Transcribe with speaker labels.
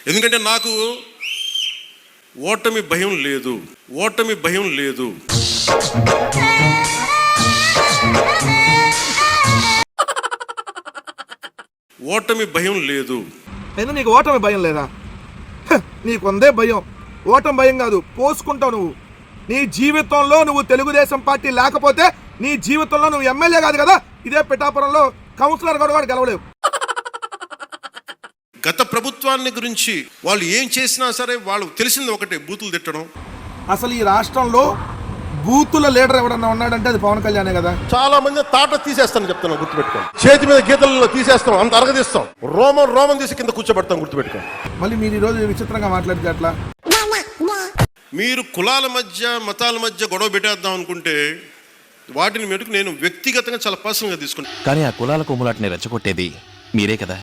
Speaker 1: ఎందుకంటే నాకు ఓటమి భయం లేదు. ఓటమి భయం లేదు. ఓటమి భయం లేదు.
Speaker 2: అయినా నీకు ఓటమి భయం లేదా? నీకుందే భయం. ఓటమి భయం కాదు, పోసుకుంటావు నువ్వు. నీ జీవితంలో నువ్వు తెలుగుదేశం పార్టీ లేకపోతే నీ జీవితంలో నువ్వు ఎమ్మెల్యే కాదు కదా, ఇదే పిఠాపురంలో కౌన్సిలర్ కూడా గెలవలేవు.
Speaker 1: గత ప్రభుత్వాన్ని గురించి వాళ్ళు ఏం చేసినా సరే వాళ్ళు తెలిసింది ఒకటే, బూతులు తిట్టడం.
Speaker 2: అసలు ఈ రాష్ట్రంలో బూతుల లీడర్ ఎవడన్నా ఉన్నాడంటే అది పవన్ కళ్యాణే కదా.
Speaker 3: చాలా మంది తాట తీసేస్తాను చెప్తాను, గుర్తుపెట్టుకోండి. చేతి మీద గీతల్లో తీసేస్తాం, అంత అరగదీస్తాం, రోమం తీసి కింద కూర్చోబెడతాం, గుర్తుపెట్టుకోండి.
Speaker 2: మళ్ళీ మీరు ఈరోజు విచిత్రంగా మాట్లాడితే అట్లా.
Speaker 1: మీరు కులాల మధ్య మతాల మధ్య గొడవ పెట్టేద్దాం అనుకుంటే వాటిని మెటుకు నేను వ్యక్తిగతంగా చాలా పర్సనల్గా తీసుకుంటాను.
Speaker 4: కానీ ఆ కులాల కొమ్ములాటిని రెచ్చగొట్టేది మీరే కదా.